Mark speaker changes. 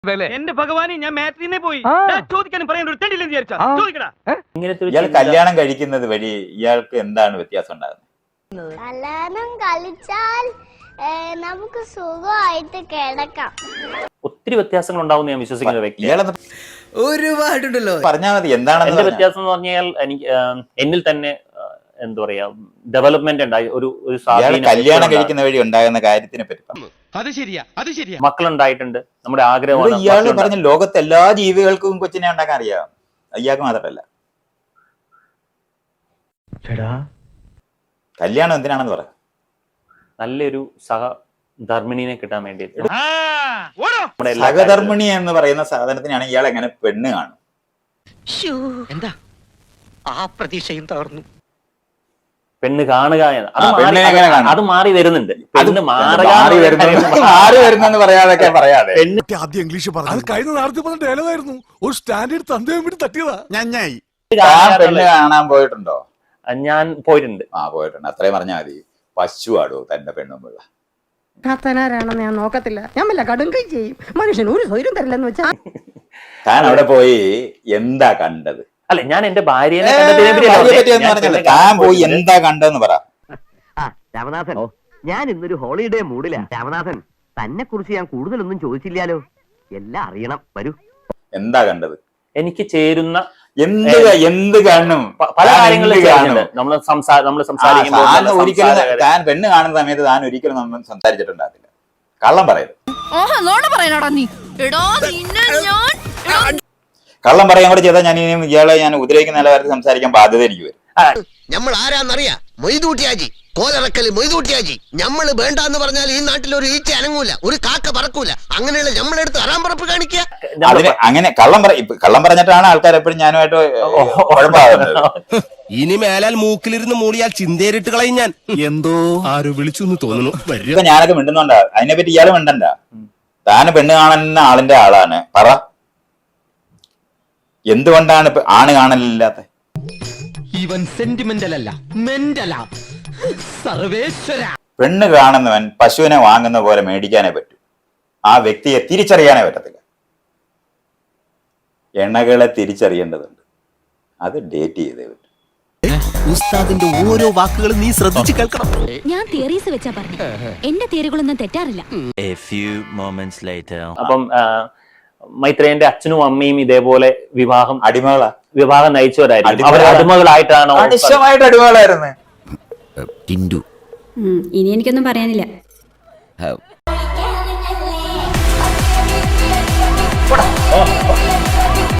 Speaker 1: എന്റെ ഭഗവാനെ ഞാൻ മാട്രിനെ പോയി ചോദിക്കാനും പറയാൻ ഒരു തെണ്ടില്ലെന്ന് വിചാരിച്ചാ ചോദിക്കടാ.
Speaker 2: ഇയാൾ കല്യാണം കഴിക്കുന്നത് വഴി ഇയാൾക്ക് എന്താണ് വ്യത്യാസം ഉണ്ടാകുന്നത്?
Speaker 3: കല്യാണം കളിച്ചാൽ നമുക്ക് സുഖമായിട്ട് കിടക്കാം.
Speaker 4: ഒത്തിരി വ്യത്യാസങ്ങൾ ഉണ്ടാവും ഞാൻ വിശ്വസിക്കുന്ന വ്യക്തി.
Speaker 5: ഒരുപാടുണ്ടല്ലോ.
Speaker 2: പറഞ്ഞാൽ മതി എന്താണെന്ന്.
Speaker 4: എന്റെ വ്യത്യാസം എന്ന് പറഞ്ഞാൽ എനിക്ക് എന്നിൽ തന്നെ എന്താ പറയാ ഡെവലപ്മെന്റ് ഉണ്ടായി. ഒരു
Speaker 2: കല്യാണം കഴിക്കുന്ന വഴി ഉണ്ടാകുന്ന കാര്യത്തിനെ പറ്റി
Speaker 4: മക്കളുണ്ടായിട്ടുണ്ട്. നമ്മുടെ ആഗ്രഹമാണ്.
Speaker 2: ഇയാള് പറഞ്ഞ ലോകത്തെ എല്ലാ ജീവികൾക്കും കൊച്ചിനെ ഉണ്ടാക്കാൻ അറിയാം, ഇയാൾക്ക് മാത്രമല്ല. കല്യാണം എന്തിനാണെന്ന് പറയാം.
Speaker 4: നല്ലൊരു സഹധർമ്മിണിനെ കിട്ടാൻ വേണ്ടി.
Speaker 2: സഹധർമ്മിണി എന്ന് പറയുന്ന സാധനത്തിനാണ് ഇയാൾ എങ്ങനെ പെണ്ണ് കാണും?
Speaker 1: എന്താ ആ പ്രതീക്ഷയും തകർന്നു.
Speaker 4: പെണ്ണ് കാണുക അത് മാറി വരുന്നുണ്ട്.
Speaker 2: മാറി വരുന്നെന്ന് പറയാതൊക്കെ പറയാതെ
Speaker 6: ആദ്യം ഇംഗ്ലീഷ് പറഞ്ഞു കഴിഞ്ഞ നാളത്തെ പറഞ്ഞ ഡയലോഗായിരുന്നു. ഒരു സ്റ്റാൻഡേർഡ് തന്തയും വേണ്ടി തട്ടിയതാ. ഞാനായി
Speaker 2: പെണ്ണ് കാണാൻ പോയിട്ടുണ്ടോ?
Speaker 4: ഞാൻ പോയിട്ടുണ്ട്.
Speaker 2: പോയിട്ടുണ്ട്. അത്രയും പറഞ്ഞാൽ മതി. പശു ആടോ തന്റെ പെണ്ണുമ്പിള്ള.
Speaker 7: കത്തനാരാണെന്ന് ഞാൻ നോക്കത്തില്ല. ഞാൻ വല്ല കടുങ്കൈ ചെയ്യും. മനുഷ്യന് ഒരു സ്വൈര്യം തരില്ലെന്ന് വെച്ചാ.
Speaker 2: താൻ അവിടെ പോയി എന്താ കണ്ടത്?
Speaker 4: അല്ല, ഞാൻ എന്റെ ഭാര്യയെ
Speaker 2: താൻ പോയി എന്താ കണ്ടെന്ന് പറ.
Speaker 8: രാമനാഥൻ, ഞാൻ ഇന്നൊരു ഹോളിഡേ മൂഡിലാ. രാമനാഥൻ, തന്നെ കുറിച്ച് ഞാൻ കൂടുതലൊന്നും ചോദിച്ചില്ലാലോ. എല്ലാം അറിയണം. വരൂ.
Speaker 2: എന്താ കണ്ടത്?
Speaker 4: എനിക്ക് ചേരുന്ന
Speaker 2: എന്ത് കാണും?
Speaker 4: പല കാര്യങ്ങളും നമ്മൾ സംസാരിക്കുമ്പോൾ
Speaker 2: ഒരിക്കലും താൻ പെണ്ണ് കാണുന്ന സമയത്ത് താൻ ഒരിക്കലും നമ്മൾ സംസാരിച്ചിട്ടുണ്ടാകില്ല. കള്ളം പറയരുത്. കള്ളം പറയാൻ കൂടെ ചെയ്താൽ ഞാൻ ഇനിയും ഇയാളെ ഞാൻ ഉപദ്രവിക്കുന്ന നിലവാരത്തിൽ സംസാരിക്കാൻ ബാധ്യത എനിക്ക് വരും.
Speaker 5: നമ്മൾ ആരാന്നറിയാ? മൊയ്തൂട്ടിയാജി, കോലറക്കല് മൊയ്തൂട്ടിയാജി. ഞമ്മള് വേണ്ടെന്ന് പറഞ്ഞാൽ ഈ നാട്ടിൽ ഒരു ഈച്ച അനങ്ങൂല, ഒരു കാക്ക പറക്കൂല. അങ്ങനെയുള്ള നമ്മളെടുത്ത് അറാമ്പറപ്പ് കാണിക്കുക.
Speaker 2: അങ്ങനെ കള്ളം പറഞ്ഞിട്ടാണ് ആൾക്കാർ എപ്പോഴും ഞാനുമായിട്ട് കുഴപ്പമാകുന്നത്.
Speaker 6: ഇനി മേലാൽ മൂക്കിലിരുന്ന് മൂളിയാൽ ചിന്തേരിട്ട് കളയും ഞാൻ. എന്തോ ആരോ വിളിച്ചു എന്ന് തോന്നുന്നു.
Speaker 2: ഇപ്പൊ ഞാനൊക്കെ മിണ്ടുന്നുണ്ടാ, അതിനെപ്പറ്റി ഇയാള് മിണ്ടണ്ട. താന് പെണ്ണ് കാണുന്ന ആളിന്റെ ആളാണ്. പറ, എന്തുകൊണ്ടാണ് ആണ് കാണലില്ലാത്ത?
Speaker 1: ഇവൻ സെന്റിമെന്റൽ അല്ല, മെന്റലാ. സർവേശ്വര.
Speaker 2: പെണ്ണ് കാണുന്നവൻ പശുവിനെ വാങ്ങുന്ന പോലെ മേടിക്കാനേ പറ്റൂ. ആ വ്യക്തിയെ തിരിച്ചറിയാനേ പറ്റത്തില്ല. എണ്ണകളെ തിരിച്ചറിയേണ്ടതുണ്ട്. അത് ഡേറ്റ് ചെയ്തേ പറ്റും.
Speaker 6: ഉസ്താദിന്റെ ഓരോ വാക്കുകളും നീ ശ്രദ്ധിച്ചു കേൾക്കണം.
Speaker 9: ഞാൻ തിയറീസ് വെച്ചാ പറഞ്ഞു. എന്റെ തിയറികളൊന്നും തെറ്റാറില്ല.
Speaker 4: അപ്പം മൈത്രേയന്റെ അച്ഛനും അമ്മയും ഇതേപോലെ വിവാഹം നയിച്ചവരായിരുന്നു. അവർ അടിമകളായിട്ടാണോ?
Speaker 2: അടിമകളായിരുന്നു.
Speaker 9: ഇനി എനിക്കൊന്നും പറയാനില്ല.